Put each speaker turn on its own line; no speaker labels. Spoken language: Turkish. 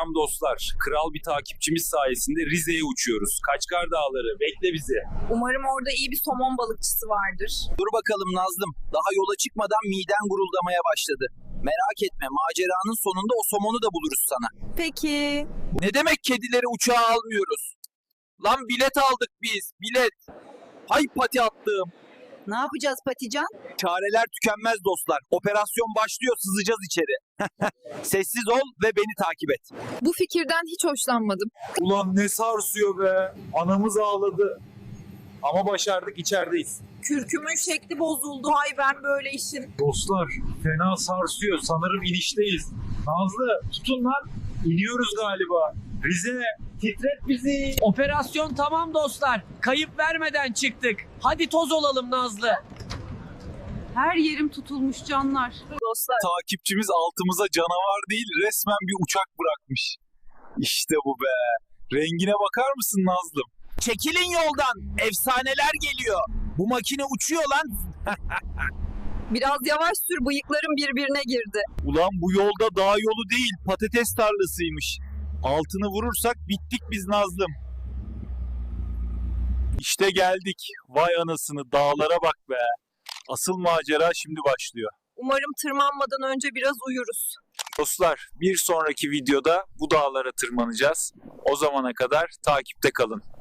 Selam dostlar. Kral bir takipçimiz sayesinde Rize'ye uçuyoruz. Kaçkar Dağları, bekle bizi.
Umarım orada iyi bir somon balıkçısı vardır.
Dur bakalım Nazlım. Daha yola çıkmadan miden guruldamaya başladı. Merak etme, maceranın sonunda o somonu da buluruz sana.
Peki.
Ne demek kedileri uçağa almıyoruz? Lan bilet aldık biz, bilet. Hay pati attım.
Ne yapacağız Patican?
Çareler tükenmez dostlar. Operasyon başlıyor, sızacağız içeri. Sessiz ol ve beni takip et.
Bu fikirden hiç hoşlanmadım.
Ulan ne sarsıyor be. Anamız ağladı. Ama başardık, içerideyiz.
Kürkümün şekli bozuldu. Hay ben böyle işin.
Dostlar fena sarsıyor. Sanırım inişteyiz. Nazlı tutun lan. İniyoruz galiba. Rize titret bizi.
Operasyon tamam dostlar. Kayıp vermeden çıktık. Hadi toz olalım Nazlı.
Her yerim tutulmuş canlar. Dostlar.
Takipçimiz altımıza canavar değil resmen bir uçak bırakmış. İşte bu be. Rengine bakar mısın Nazlım?
Çekilin yoldan. Efsaneler geliyor. Bu makine uçuyor lan.
Biraz yavaş sür, bıyıklarım birbirine girdi.
Ulan bu yolda dağ yolu değil patates tarlasıymış. Altını vurursak bittik biz Nazlım. İşte geldik. Vay anasını dağlara bak be. Asıl macera şimdi başlıyor.
Umarım tırmanmadan önce biraz uyuruz.
Dostlar bir sonraki videoda bu dağlara tırmanacağız. O zamana kadar takipte kalın.